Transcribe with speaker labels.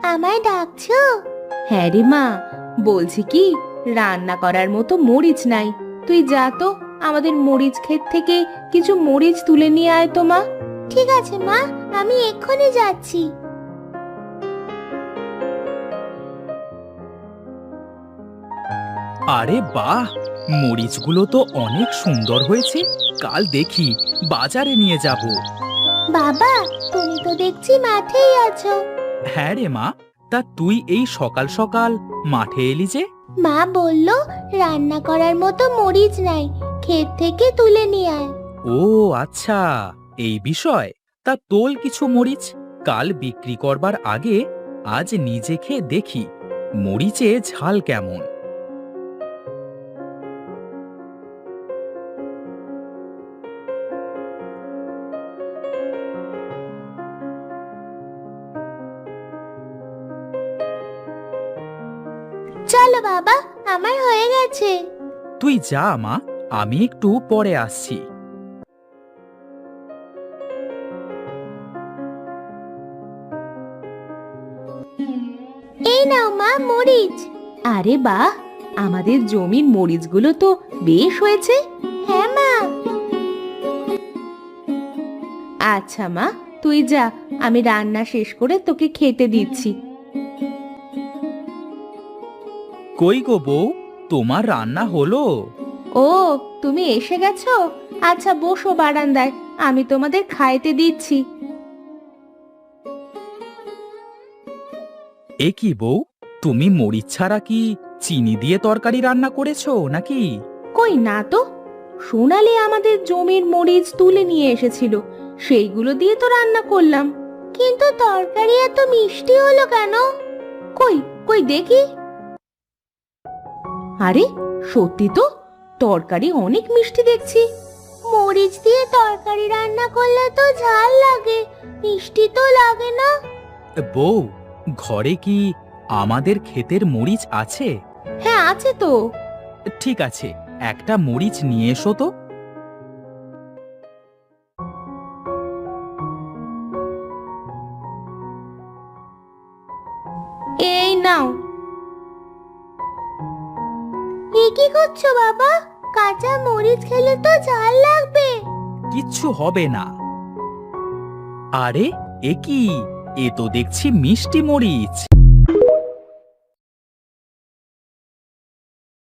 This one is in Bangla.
Speaker 1: আমায় ডাকছো?
Speaker 2: হ্যাঁ রে মা, বলছি কি, রান্না করার মতো মরিচ নাই। তুই যা তো, আমাদের মরিচ ক্ষেত থেকে কিছু মরিচ তুলে নিয়ে আয় তো মা।
Speaker 1: ঠিক আছে মা, আমি এক্ষুনি যাচ্ছি।
Speaker 3: আরে বাহ, মরিচগুলো তো অনেক সুন্দর হয়েছে। কাল দেখি বাজারে নিয়ে যাব।
Speaker 1: বাবা, তুমি তো দেখছি মাঠেই আছো।
Speaker 3: হ্যাঁ রে মা, তা তুই এই সকাল সকাল মাঠে এলি যে?
Speaker 1: মা বলল রান্না করার মতো মরিচ নাই, ক্ষেত থেকে তুলে নিয়ে আয়।
Speaker 3: ও আচ্ছা, এই বিষয়। তা তোল কিছু মরিচ, কাল বিক্রি করবার আগে আজ নিজে খেয়ে দেখি মরিচে ঝাল কেমন।
Speaker 1: চলো বাবা, আমার হয়ে গেছে।
Speaker 3: তুই যা মা, আমি একটু পরে আসছি।
Speaker 1: এই নাও মা মরিচ।
Speaker 2: আরে বাহ, আমাদের জমির মরিচগুলো তো বেশ হয়েছে।
Speaker 1: হ্যাঁ মা।
Speaker 2: আচ্ছা মা, তুই যা, আমি রান্না শেষ করে তোকে খেতে দিচ্ছি।
Speaker 3: কই গো বউ, তোমার রান্না হলো?
Speaker 2: ও, তুমি এসে গেছো? আচ্ছা বসো বারান্দায়, আমি তোমাদের খাইতে দিচ্ছি।
Speaker 3: এ কি বউ, তুমি মরিচ ছাড়া কি চিনি দিয়ে তরকারি রান্না করেছো নাকি?
Speaker 2: কই না তো, সোনালি আমাদের জমির মরিচ তুলে নিয়ে এসেছিল, সেইগুলো দিয়ে তো রান্না করলাম।
Speaker 1: কিন্তু তরকারি এত মিষ্টি হলো কেন?
Speaker 2: কই কই দেখি। আরে সত্যি তো, তরকারি অনেক মিষ্টি দেখছি।
Speaker 1: মরিচ দিয়ে তরকারি রান্না করলে তো ঝাল লাগে, মিষ্টি তো লাগে না।
Speaker 3: বউ, ঘরে কি আমাদের ক্ষেতের মরিচ আছে?
Speaker 2: হ্যাঁ আছে তো।
Speaker 3: ঠিক আছে, একটা মরিচ নিয়ে এসো তো।
Speaker 2: এই নাও।
Speaker 1: এ কি করছো বাবা? কাঁচা মরিচ খেলে তো ঝাল লাগবে।
Speaker 3: কিচ্ছু হবে না। আরে এ কি, এ তো দেখছি মিষ্টি মরিচ।